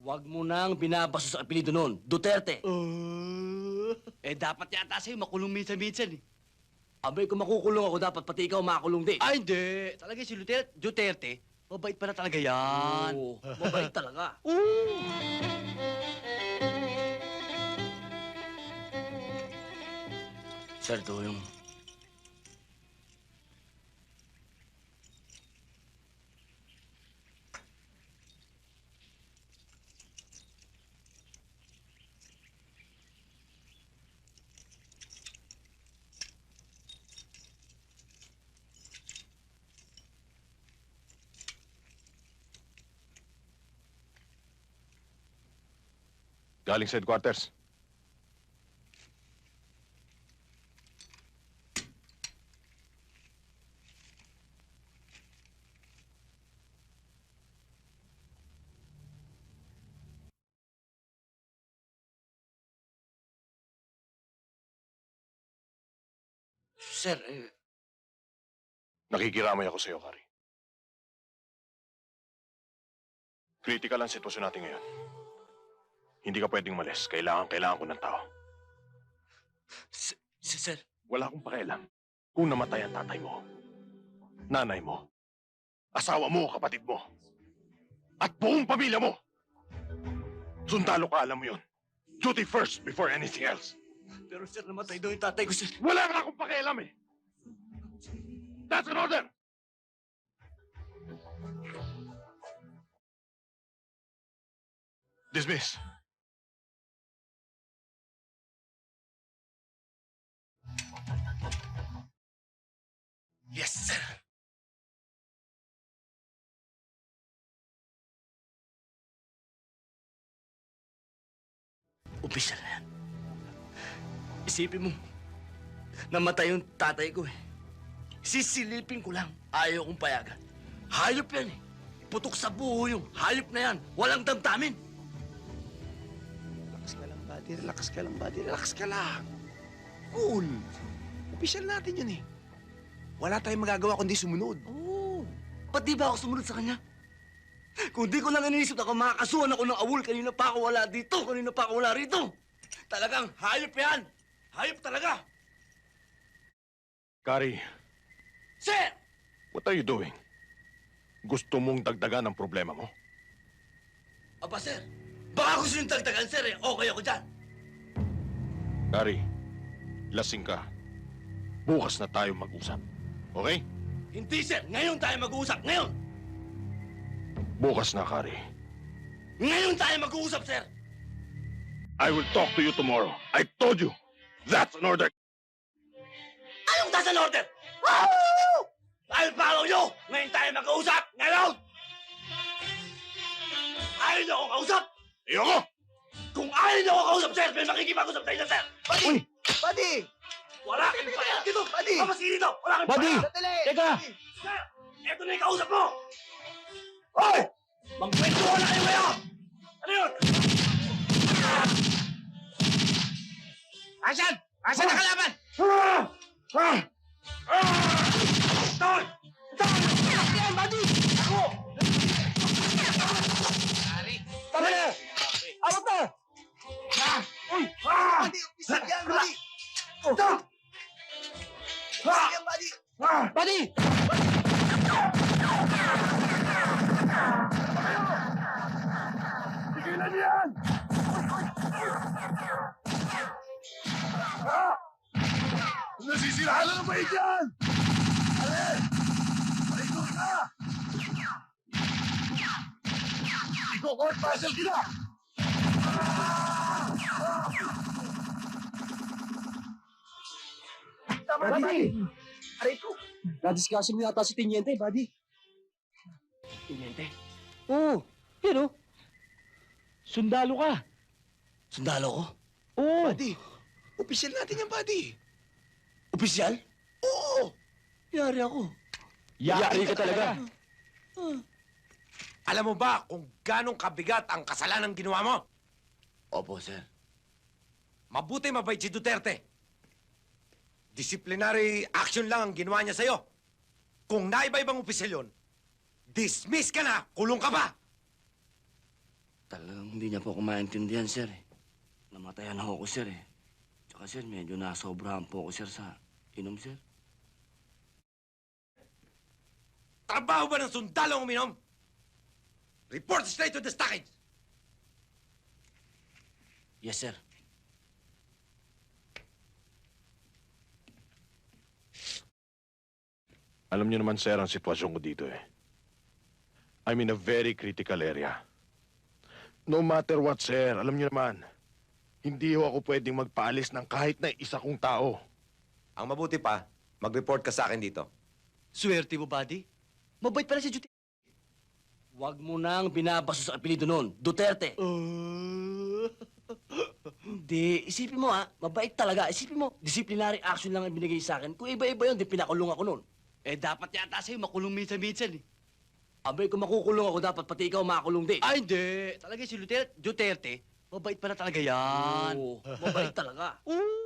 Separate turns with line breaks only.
Huwag mo nang binabaso sa apelido noon. Duterte. Dapat yata sa'yo makulong minsan-minsan eh. Abay, kung makukulong ako, dapat pati ikaw makakulong din.
Ay, hindi. Talaga si Duterte, mabait pala talaga yan.
Oo, mabait talaga. Sir, ito yung...
Galing sa headquarters.
Sir,
Nakikiramay ako sa iyo, Kari. Critical ang sitwasyon natin ngayon. Hindi ka pwedeng malis. Kailangan ko ng tao.
Sir,
Wala akong pakialam kung namatay ang tatay mo, nanay mo, asawa mo, kapatid mo, at buong pamilya mo. Sundalo ka, alam mo yun. Duty first before anything else.
pero sir, namatay daw yung tatay ko, sir.
Wala nga akong pakialam eh. That's an order! Dismiss.
Yes, sir. Opisyal na yan. Isipin mo, namatay yung tatay ko eh. Sisilipin ko lang. Ayaw kong payagan. Hayop yan eh. Putok sa buho yung hayop na yan. Walang damdamin.
Relax ka lang, buddy. Relax ka lang, buddy. Relax ka lang. Cool. Opisyal natin yun eh. Wala tayong magagawa kundi sumunod.
Oo. Ba't di ba ako sumunod sa kanya? Kung di ko lang iniisip na kung makakasuhan ako ng awol, kanina pa ako wala dito, kanina pa ako wala rito. Talagang hayop yan. Hayop talaga.
Kari,
Sir!
what are you doing? Gusto mong dagdagan ang problema mo?
Aba, sir. Baka gusto yung tagtagan, sir eh. Okay ako dyan.
Kari, lasing ka. Bukas na tayo mag-usap. Okay?
Hindi, sir. Ngayon tayo mag-uusap. Ngayon.
Bukas na, Kari.
Ngayon tayo mag-uusap, sir.
I will talk to you tomorrow. I told you. That's an order.
Anong tas an order? Woo! I'll follow you. Ngayon tayo mag-uusap. Ngayon. Ayaw niyo akong kausap.
Ayoko!
Kung ayaw niyo akong kausap, sir, may makikipag-usap tayo na, sir.
Buddy! Buddy!
Wala kang payag dito.
Buddy!
Pamasili dito. Wala kang
Buddy!
payag.
Sandali!
Teka! Sir, eto na yung kausap mo. Hoy! Magkwentuhan na kayo ngayon. Ano yun?
Asan? Asan na kalaban?
Doon! Doon!
Yan, buddy!
Ako!
Tama na! Awat na!
Uy!
Buddy, opisyal yan, buddy!
Doon!
Opisyal yan, buddy! Buddy!
Tigilan niyo yan!
Nasisirahan na ng bait yan!
Ikaw ka!
Ikaw, court martial kita!
Tama na, buddy! Aray ko!
Nadiscussing mo yata si Tiniente, buddy.
Tiniente,
Oo. Yan o. Sundalo ka.
sundalo ko?
Oo.
Buddy, opisyal natin yan, buddy.
Opisyal?
Oo!
Yari ako.
Yari ka talaga.
Alam mo ba kung ganong kabigat ang kasalanan ginawa mo?
Opo, sir.
Mabuti mabait si Duterte. Disciplinary action lang ang ginawa niya sa'yo. Kung naiba-ibang opisyal yun, dismiss ka na, kulong ka pa!
Talagang hindi niya po ako maintindihan, sir. Namatayan ako, sir, eh. Tsaka, sir, medyo nasobrahan po ako, sir, sa inom, sir.
Trabaho ba ng sundalo ang uminom? Report straight to the stockage!
Yes, sir.
Alam niyo naman, sir, ang sitwasyon ko dito eh. I'm in a very critical area. No matter what, sir, alam niyo naman, hindi ho ako pwedeng magpaalis ng kahit na isa kong tao.
Ang mabuti pa, mag-report ka sa akin dito.
Swerte mo, buddy. Mabait pala si Juti.
Huwag mo nang binabaso sa apelido noon, Duterte. Hindi, isipin mo mabait talaga. Isipin mo, disciplinary action lang ang binigay sa akin. Kung iba-iba yun, di pinakulong ako noon.
Dapat yata sa'yo makulong minsan-minsan eh.
Abay, kung makukulong ako, dapat pati ikaw makakulong din.
Ay, hindi. Talaga si Duterte, mabait pala talaga yan.
Oo, mabait talaga.
Oo.